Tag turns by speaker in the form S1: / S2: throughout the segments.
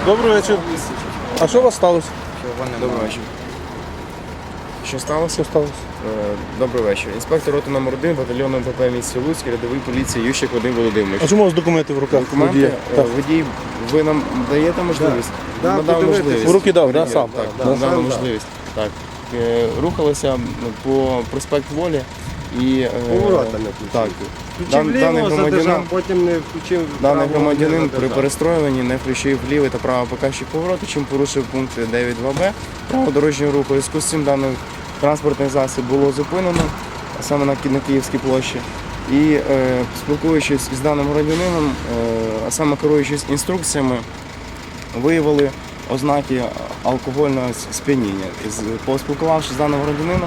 S1: Добрий вечір. А що у вас сталося?
S2: Добрий вечір. Що сталося?
S1: Що сталося?
S2: Добрий вечір. Інспектор роти номер 1 батальйону МПП місті Луцьк, рядовий поліції Ющик Вадим Володимирович.
S1: А чому у вас документи в руках?
S2: Документи?
S1: Водія? Так.
S2: Водій, ви нам даєте можливість?
S3: Да,
S2: Надав
S3: подивитись.
S2: можливість.
S1: В руки дав, да,
S2: Водій,
S1: сам?
S2: Так,
S1: Да,
S2: надав
S3: сам
S2: можливість. Так. Рухалися по проспект Волі і...
S3: Поворота не включив.
S2: Так.
S3: Включив ліво, задержав, потім не включив
S2: Даний
S3: право,
S2: громадянин
S3: не
S2: при
S3: задержав.
S2: перестроюванні не включив лівий та правий показчик повороту, чим порушив пункт 9.2б правил дорожнього руху. У зв'язку з цим даний транспортний засіб було зупинено, а саме на Київській площі. І спілкуючись із даним громадянином, а саме керуючись інструкціями, виявили ознаки алкогольного сп'яніння. Поспілкувавшись з даним громадянин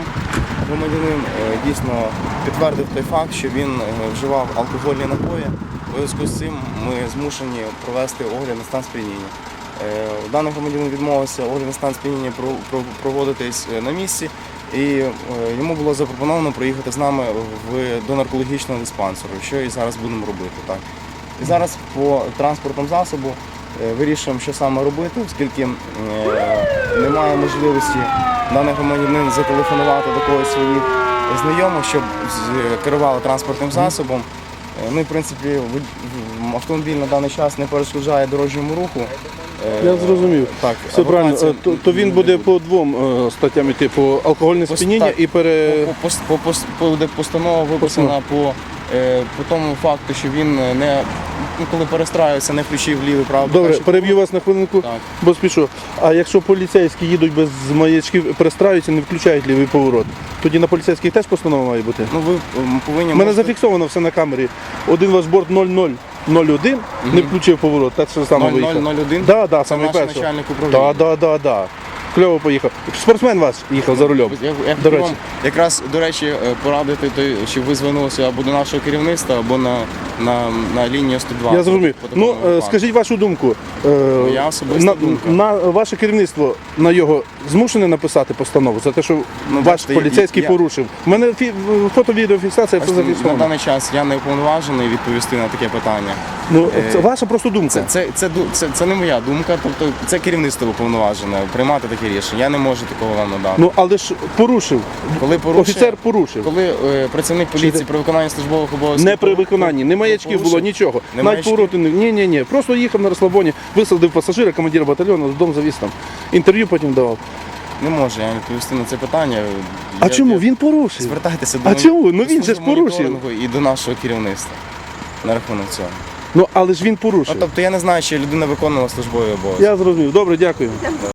S2: дійсно підтвердив той факт, що він вживав алкогольні напої. У зв'язку з цим ми змушені провести огляд на стан сп'яніння. Даний громадянин відмовився огляд на стан сп'яніння проводитись на місці, і йому було запропоновано приїхати з нами до наркологічного диспансеру, що і зараз будемо робити. Так. І зараз по транспортному засобу вирішуємо, що саме робити, оскільки немає можливості даний громадянин зателефонувати до когось своїх знайомих, щоб керували транспортним засобом. Ну і, в принципі, автомобіль на даний час не перешкоджає дорожньому руху.
S1: Я зрозумів.
S2: Так,
S1: все правильно. То він буде по двом статтям йти, по алкогольне сп'яніння і
S2: Буде постанова виписана по тому факту, що він коли перестраюється, не включив лівий правий.
S1: Добре, переб'ю вас на хвилинку,
S2: Так.
S1: бо спішу. А якщо поліцейські їдуть без маячків, перестраюються, не включають лівий поворот, тоді на поліцейських теж постанова має бути?
S2: Ну, ви повинні...
S1: У мене зафіксовано все на камері. Один ваш борт 0001 не включив поворот, так що саме виїхав.
S2: 0001?
S1: Да,
S2: Це
S1: саме
S2: наш
S1: перший.
S2: начальник управління.
S1: Да. Кльово поїхав. Спортсмен ваш їхав за рулем.
S2: Я
S1: До
S2: хотів
S1: речі.
S2: вам якраз, до речі, порадити, щоб ви звернулися або до нашого керівництва, або на лінію 102.
S1: Я зрозумів.
S2: По такому випадку.
S1: Скажіть вашу думку.
S2: Моя особиста думка.
S1: На ваше керівництво на його змушене написати постанову за те, що ваш
S2: бачите,
S1: поліцейський порушив. У мене фото-відеофіксація все
S2: Бачите, на
S1: зафіксовано.
S2: даний час я не уповноважений відповісти на таке питання.
S1: Ну, це ваша просто думка.
S2: Це не моя думка, тобто це керівництво уповноважене приймати таке рішення. Я не можу такого вам надати.
S1: Ну, але ж порушив.
S2: Коли порушує-
S1: Офіцер порушив.
S2: Коли працівник поліції при виконанні службових обов'язків...
S1: Не при виконанні, не маячків було, нічого.
S2: Не
S1: Навіть
S2: маячків?
S1: повороти не. Ні. Просто їхав на розслабоні, висадив пасажира, командира батальйону, додому завіз там. Інтерв'ю потім давав.
S2: Не можу я відповісти на це питання.
S1: А чому? Він порушив.
S2: Звертайтеся до
S1: А чому? Ну, він же ж
S2: служби
S1: порушив.
S2: моніторингу і до нашого керівництва на рахунок цього.
S1: Ну, але ж він порушив.
S2: Тобто я не знаю, чи людина виконувала службові обов'язки.
S1: Я зрозумів. Добре, дякую.